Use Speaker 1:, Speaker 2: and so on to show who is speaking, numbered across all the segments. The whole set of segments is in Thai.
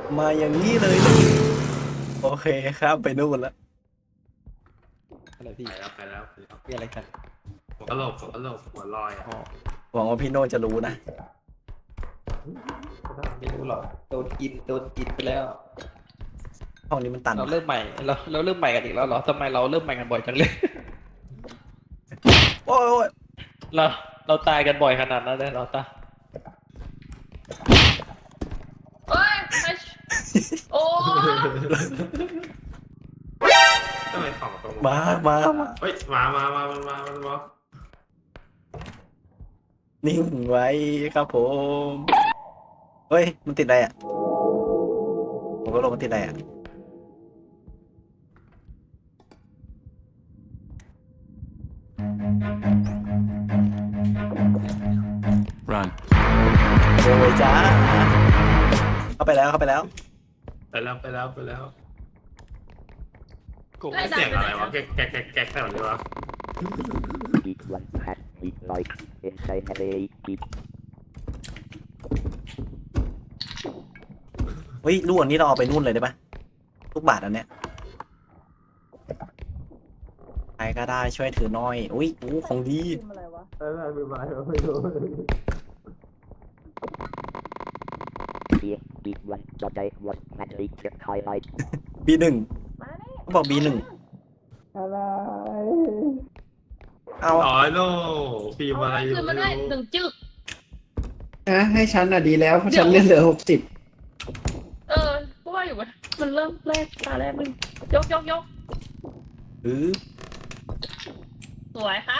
Speaker 1: มาอย่างนี้เลยนี่โอเคครับไปนู่นแล้ว
Speaker 2: อะไรพี่
Speaker 3: ไปแล้ว
Speaker 2: มีอะไรกัน
Speaker 3: หัวกะโหลกหัวลอยอ่ะ
Speaker 2: อ๋อ
Speaker 1: หวังว่าพี่โน่จะรู้นะ
Speaker 2: ไม่รู้หรอกโดนกินไปแล้ว
Speaker 1: ห้องนี้มันตัน
Speaker 2: เราเริ่มใหม่เราเริ่มใหม่กันอีกแล้วเหรอทำไมเราเริ่มใหม่กันบ่อยจังเลย
Speaker 1: โอ้ยโอ้ย
Speaker 2: เราเราตายกันบ่อยขนาดนั้นเลยเหราตา
Speaker 4: เอ้ยโอ้
Speaker 3: ทำไมของตรง
Speaker 1: มามา
Speaker 3: เฮ้ยมา
Speaker 1: นิ่งไว้ครับผมเฮ้ยมันติดอะไรอ่ะผมก็ลงมันติดอะไรอ่ะ
Speaker 5: Run.
Speaker 1: โอ้ยจ้าเข้าไปแล้ว
Speaker 3: ไปแล้ว
Speaker 2: โก
Speaker 3: เสียงอะไรวะแก๊กแถวนี้วะ
Speaker 6: Eat one hat, eat like inside heavy eat.
Speaker 1: เฮ้ยลูกอันนี้เราเอาไปนู่นเลยได้ปะลูกบาทอันเนี้ยใครก็ได้ช่วยถือหน่อยอุ้ยอู้ของดี
Speaker 6: Here, eat one, but I was madly just highlight.
Speaker 1: B1
Speaker 4: มาดิ
Speaker 1: เขาบอก B1
Speaker 2: อะไร
Speaker 1: เอา
Speaker 3: อ๋อโน่พิมพ์อะไรอยู่
Speaker 4: คืนมาได้หนึ่งจึก
Speaker 7: นะให้ฉันอ่ะดีแล้วเพราะฉันเล่นเหลือ60
Speaker 4: ก็ว่าอยู่ว่ามันเริ่มแรกตาแรกมึงยก
Speaker 1: หือ
Speaker 4: สวยครับ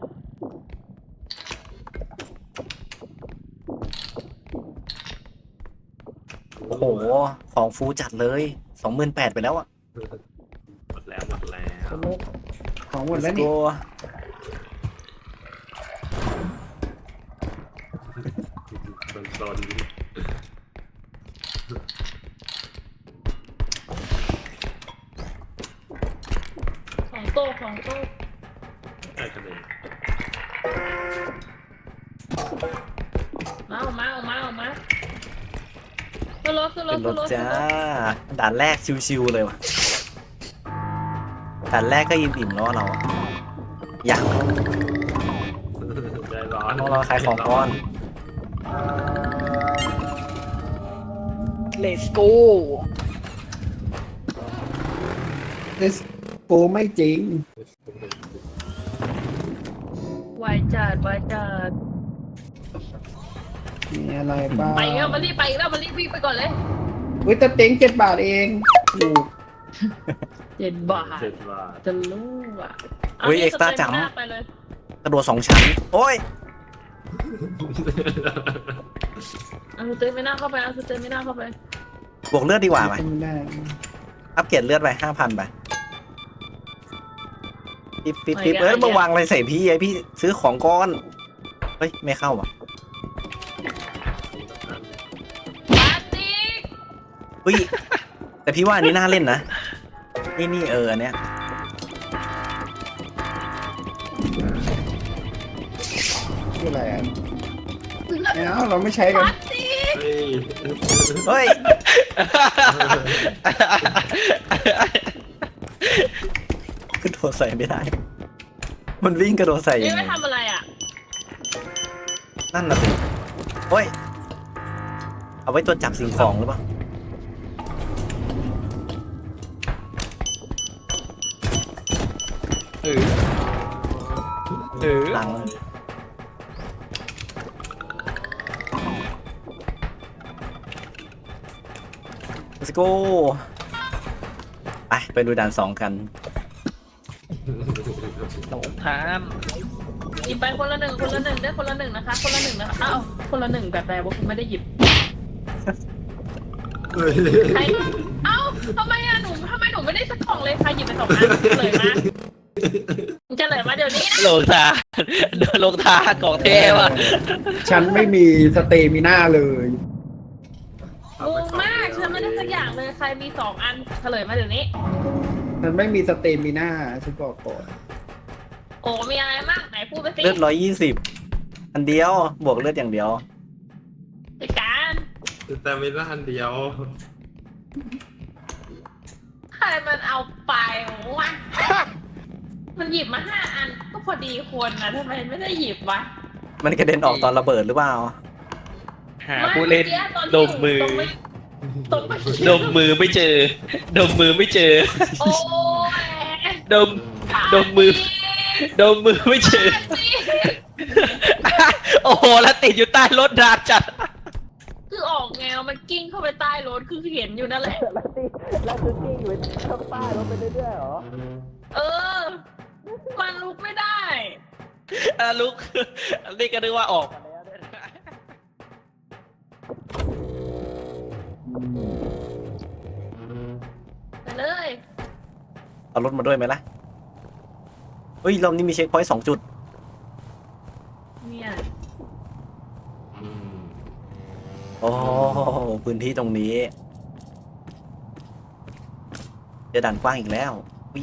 Speaker 1: โอ้โหของฟูจัดเลย28,000ไปแล้วอ่ะ
Speaker 3: หมดแล้ว
Speaker 7: ของหมดแล้ว
Speaker 1: Let's
Speaker 7: นี่
Speaker 1: go
Speaker 3: โดน
Speaker 4: ของโต๊ะ
Speaker 3: ไอ้คะแนน
Speaker 4: มาขึ้นรถ
Speaker 1: ขึ้นรถจ้าด่านแรกชิวๆเลยว่ะด่านแรกก็อิ่มๆแล้วเราอะอยาก
Speaker 3: ใจร้อน
Speaker 1: ต้องรอขายของก่อน
Speaker 2: เลสโก
Speaker 7: เลสโกไม่จริง
Speaker 4: วายจัด
Speaker 7: มีอะไรบ้าง
Speaker 4: ไปแล้วมารีบวิ่งไปก่อนเลย
Speaker 7: วิตาเต็ง7 บาทเองถูก
Speaker 4: 7 บาท
Speaker 3: 7 บาท
Speaker 4: จะรู้อ่ะ
Speaker 1: เฮ้ย extra จัง
Speaker 4: ไปเลย
Speaker 1: กระโดด2 ชั้นโอ้ย
Speaker 4: เอาสเตนไม่น่าเข้าไป
Speaker 1: บวกเลือดดีกว่าไหม
Speaker 7: ไม่ได้
Speaker 1: อัปเกรดเลือดไป 5,000 ไปปิ๊บเอ้ยมาวางอะไรใส่พี่ไอพี่ซื้อของก้อนเฮ้ยไม่เข้าอ่ะ
Speaker 4: ปาติก
Speaker 1: เฮ้ยแต่พี่ว่าอันนี้น่าเล่นนะนี่อันเนี้ย
Speaker 7: คืออะไรอ่ะเอาเราไม่ใช้กัน
Speaker 4: ปาติก
Speaker 3: เฮ้ย
Speaker 1: เฮ้ยกระโดดใส่ไม่ได้ มันวิ่งกระโดดใส่ยั
Speaker 4: นี่
Speaker 1: งไง
Speaker 4: ไม่ทำอะไรอ่ะ
Speaker 1: นั่นน่ะสิโอ้ยเอาไว้ตรวจจับสิ่งของหรือเปล่า หลัง let's go ไปดูด่าน2กัน
Speaker 2: หลงทาน
Speaker 4: หยิบไปคนละหนึ่งได้คนละหนึ่งนะคะอ้าวคนละหนึ่งแบบแปลว่าคุณไม่ได้หยิบใครเอ้าทำไมหนูไม่ได้สักกล่องเลยใครหยิบไป2 อันเลยมาจะเลยมาเดี๋ยวนี้นะ
Speaker 2: หลงทานโดนหลงทานของเทวะ
Speaker 7: ฉันไม่มีสเตมิน่าเลย
Speaker 4: งงมากฉันไม่ได้สักอย่างเลยใครมี2 อันเฉลยมาเดี๋ยวนี้
Speaker 7: ฉันไม่มีสเตมิน่าฉันบอกก่อน
Speaker 4: โอ้มีอะไรบ้างไหนพูดไปสิ
Speaker 1: เลือด120อันเดียวบวกเลือดอย่างเดียว
Speaker 4: จัดการ
Speaker 3: แต่มีละอันเดียว
Speaker 4: ใครมันเอาไปวะมันหยิบมา5 อันก็พอดีคนนะทำไมไม่ได้หยิบวะ
Speaker 1: มันกระเด็นออกตอนระเบิดหรือเปล่า
Speaker 2: หาผู้เล่น
Speaker 4: มื่กี้ตน
Speaker 2: ด
Speaker 4: ที่
Speaker 2: มมือ
Speaker 4: ตรงไม่
Speaker 2: ดมมือไม่เจอ ดมมือไม่เจอ
Speaker 4: โอ้ย
Speaker 2: ดม ดมมือ ดมมือไม่เจอ โอ้โห แล้วติดอยู่ใต้รถดาบจัด
Speaker 4: คือออกแนวมันกิ้งเข้าไปใต้รถคือเห็นอยู่นั่นแหละ
Speaker 2: แล้วคือกิ้งอยู่ข้างใต้รถไปเรื่อยๆหรอ
Speaker 4: เออ มันลุกไม่ได้
Speaker 2: ลุกอันนี้ก็นึกว่าออกมาแล้วเนี่ย
Speaker 4: ไปเลย
Speaker 1: เอารถมาด้วยไหมล่ะเฮ้ยรอบนี้มีเช็คพอยต์2 จุด
Speaker 4: เนี่ย
Speaker 1: โอ้พื้นที่ตรงนี้เจะด่านกว้างอีกแล้วอุ๊ย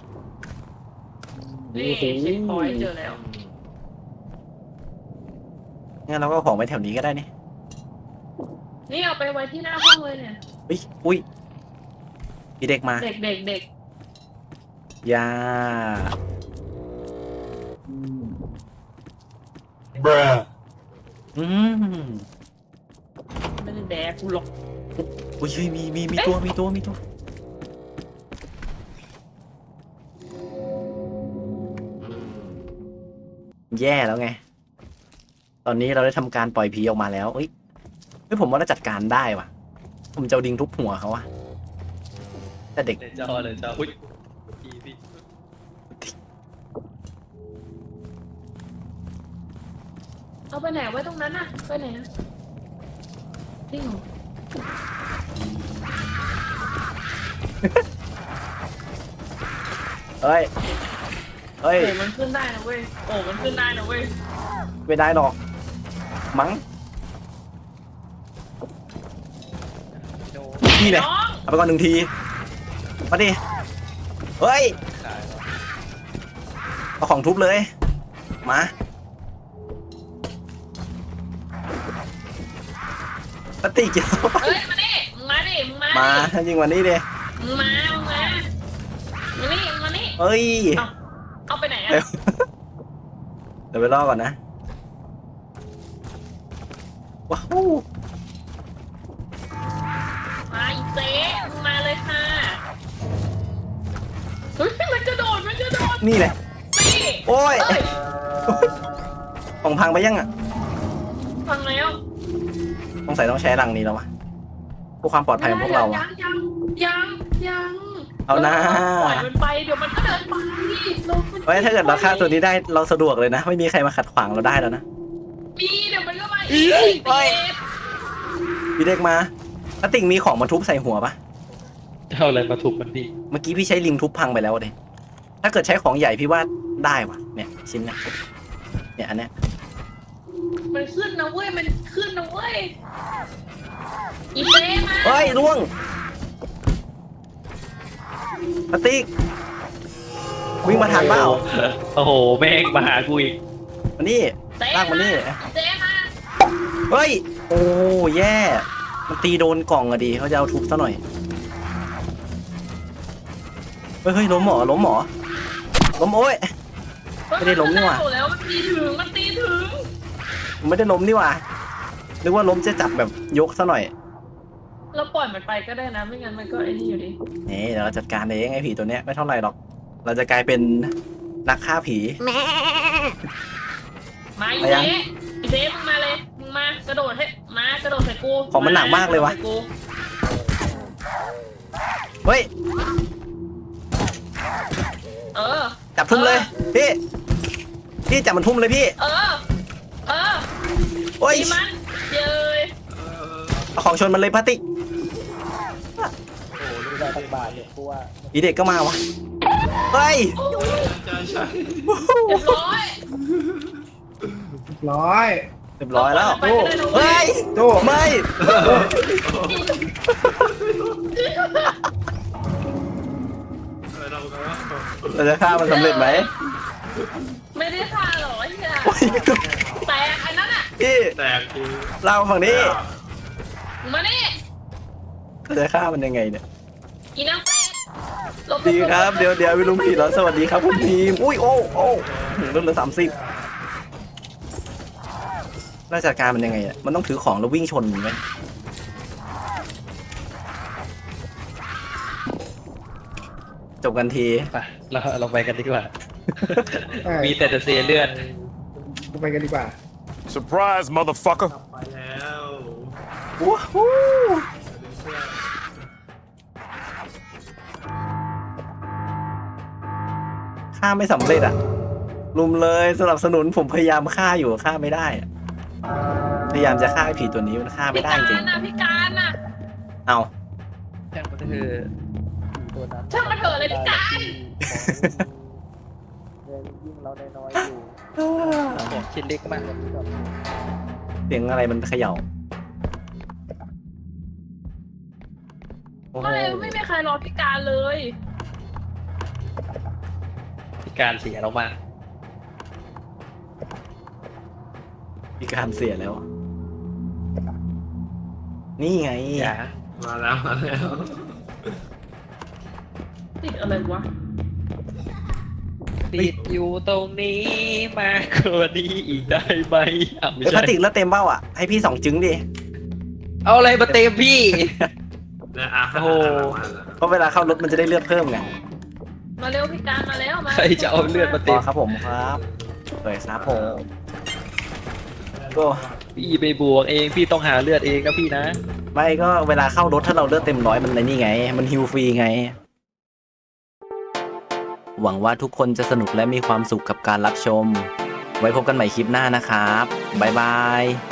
Speaker 4: นี่เช็คพอยต์เจอแล้ว
Speaker 1: งั้นเราก็เอาของไปแถวนี้ก็ได้นี่
Speaker 4: นี่เอาไปไว้ที่หน้าห้องเลยเนี่ย
Speaker 1: อุ๊ยอุ้ยมีเด็กมา
Speaker 4: เด็กเด็กเด็ก
Speaker 1: ยา อืม
Speaker 4: ไม่ได้แดกกูหรอก
Speaker 1: อุ้ยเฮ้ยมีตัวแย่แล้วไง ตอนนี้เราได้ทำการปล่อยผีออกมาแล้วเฮ้ยผมว่าเราจัดการได้ว่ะ ผมจะเอาดิงทุบหัวเขาอะแต่เด็ก
Speaker 2: เลยจออุ้ยพี่
Speaker 4: เอาไปไหนไว้ตรงนั้นน่ะไปไหนอะจริงเหรอ
Speaker 1: เฮ้ย
Speaker 4: โอ้มันขึ้นได้นะเว้ยโอ้มันขึ้นได้นะเว้ย
Speaker 1: ไม่ได้หรอก มั้ง
Speaker 2: โด
Speaker 1: นี่แหละ
Speaker 4: น้อง
Speaker 1: เอาไปก่อน1 ที มาดิ เฮ้ย
Speaker 2: ขาย
Speaker 1: เอาของทุบเลย มา ปฏิกิริยา
Speaker 4: เฮ้ยมาดิมึงมาดิมึงมา
Speaker 1: มา
Speaker 4: ดิ
Speaker 1: ถ้าจริงวันนี้ดิ
Speaker 4: มึงมามานี่มานี่
Speaker 1: เฮ้ย
Speaker 4: เอาไปไหนอะ
Speaker 1: เร็ว เดี๋ยวไปรอก่อนนะ ว้าว
Speaker 4: มาอีเจ๊มึงมาเลยค่ะเฮ้ยมันกระโดด
Speaker 1: นี่แหละ
Speaker 4: นี่
Speaker 1: โอ้ย
Speaker 4: เอ้ย
Speaker 1: ของพังไปยังอ่ะ
Speaker 4: ฟังแล้ว
Speaker 1: ต้องใส่ต้องใช้รังนี้แล้ววะเพื่อความปลอดภัยของพวกเราอะ
Speaker 4: ยัง
Speaker 1: เอานะ
Speaker 4: ปล่อยมันไปเดี๋ยวมันก็เดินไปเรา
Speaker 1: เฮ้ยถ้าเกิดเราฆ่าตัวนี้ได้เราสะดวกเลยนะ ไม่มีใครมาขัดขวางเราได้แล้วนะ
Speaker 4: มีเดี๋ยวมันก็มาอีก
Speaker 1: เฮ้ย
Speaker 4: เอ๊ะ
Speaker 1: พี่เด็กมาแล้วติ่งมีของมาทุบใส่หัวปะ
Speaker 2: เท่าอะไรมาถูกมันดี
Speaker 1: เมื่อกี้พี่ใช้ลิงทุบพังไปแล้วเลยถ้าเกิดใช้ของใหญ่พี่ว่าได้วะเนี่ยชิ้นเนี้ยเนี่ยอันเนี้ย
Speaker 4: มันขึ้นนะเว้ยมันขึ้นนะเว้ยอีเจ๊มา
Speaker 1: เฮ้ยล่วงปฏิกวิ่งมาทางเปล่า
Speaker 2: โอ้โหแม่งมาหากูอีก
Speaker 1: มานี่
Speaker 4: เจ๊
Speaker 1: ลากมานี่
Speaker 4: เจ๊มา
Speaker 1: เฮ้ยโอ้แย่มันตีโดนกล่องอะดีเขาจะเอาทุบซะหน่อยเฮ้ยล้มหมอล้มโอ้ย ไม่ได้ล้มนี่หว่า
Speaker 4: เฮ้ยมันแล้วมันตีถึง
Speaker 1: ไม่ได้ล้มนี่หว่านึกว่าล้มจะจับแบบยกซะหน่อย
Speaker 4: เราปล่อยมันไปก็ได้นะไม่งั้นมันก็ไอ้นี่อยู่ดี
Speaker 1: นี่เดี๋ยวเราจัดการเองไอ้ผีตัวเนี้ยไม่เท่าไหร่หรอก เราจะกลายเป็นนักฆ่าผี
Speaker 4: มาอี
Speaker 1: ไปยัง
Speaker 4: เจ๊อีเจ๊มึงมาเลยมึงมากระโดดให้มากระโดดใส่กู
Speaker 1: ของมันหนักมากเลยวะ
Speaker 4: กรโดดใส่กู
Speaker 1: เฮ้ย
Speaker 4: เออ
Speaker 1: จับทุ่มเลยพี่จับมันทุ่มเลยพี่
Speaker 4: เออ
Speaker 1: โอ้ย
Speaker 4: ตีมันเย้ย
Speaker 1: เอาของชนมันเลยพลาสติก
Speaker 2: ไม่ได้สักบาทเลยเพราะว่า
Speaker 1: อีเด็กก็มาวะเฮ้ย
Speaker 3: ใช่
Speaker 4: เรียบร้อย
Speaker 7: ร้อย
Speaker 1: เรียบร้อยแล้ว
Speaker 4: ไปก็ได้นะเว้
Speaker 1: เฮ้
Speaker 4: ย
Speaker 1: ย
Speaker 7: โจ้
Speaker 1: ไม่ เราจะฆ่ามันสำเร็จไหม
Speaker 4: ไม่ได้ฆ่าหรอกไอ้เหี้ย
Speaker 1: โอ้ย
Speaker 4: แตกไอ้นั่นอ่ะ
Speaker 1: พี่
Speaker 3: แตกจริง
Speaker 1: เราฝั่งนี้
Speaker 4: มึงมานี่
Speaker 1: จะฆ่ามันยังไงเนี่ย
Speaker 4: อีนางเป็ดหลบ
Speaker 1: ดีครับเดี๋ยววิลุงผิดแล้วสวัสดีครับคุณทีมอุ้ยโอ้เริ่มเหลือ30ราชการมันยังไงอ่ะมันต้องถือของแล้ววิ่งชนมันไหมจบกันที
Speaker 2: ไปเราไปกันดีกว่า
Speaker 7: ไป
Speaker 2: มีแต่จะเสียเลือด
Speaker 7: ไปกันดีกว่า
Speaker 5: Surprise, motherfucker.
Speaker 3: ไปแล้ว
Speaker 1: ว้าวฆ่าไม่สำเร็จอ่ะลุมเลยสนับสนุนผมพยายามฆ่าอยู่ฆ่าไม่ได้อะพยายามจะฆ่าไอ้ผีตัวนี้มันฆ่าไม่
Speaker 4: พี่
Speaker 1: ได้
Speaker 4: การ
Speaker 1: จริง
Speaker 4: น่ะพี่การน่ะ
Speaker 1: เอา
Speaker 2: ช่างมันเถอะ
Speaker 4: ช่างมันเถอะเลยพี่การ
Speaker 2: ของชิ้นเล็กมาก
Speaker 1: เสียงอะไรมันเขย่าโอ้โห
Speaker 4: ไม่มีใครรอพี่การเลย
Speaker 2: พิการเสียเรามาก
Speaker 1: มีการเสียแล้ว นี่ไง
Speaker 2: อย่า
Speaker 3: มาแล้ว
Speaker 4: ติดอะไรวะ
Speaker 2: ติดอยู่ตรงนี้มากกว่านี้อีกได้ไหมอ่ะไม่
Speaker 1: พลา
Speaker 2: ใช่
Speaker 1: สติกแล้วเต็มเบ้าอ่ะ ให้พี่2 จึงดิ
Speaker 2: เอาอะไรมาเต็มพี่
Speaker 3: เนี่ยอ่ะ
Speaker 2: โอ้โห
Speaker 1: เพราะเวลาเข้ารถมันจะได้เลือดเพิ่มไง
Speaker 4: มาเร็วพี่การมาแล้วมา
Speaker 2: ใครจะเอาเลือดมา
Speaker 1: พ
Speaker 2: เต็
Speaker 1: อ
Speaker 2: ม
Speaker 1: ครับผมครับเปิดครับผมก็
Speaker 2: พี่ไปบวกเองพี่ต้องหาเลือดเองนะพี่นะ
Speaker 1: ไม่ก็เวลาเข้ารถถ้าเราเลือดเต็ม100มันในนี่ไง มันฮิวฟรีไง หวังว่าทุกคนจะสนุกและมีความสุขกับการรับชม ไว้พบกันใหม่คลิปหน้านะครับ บ๊ายบาย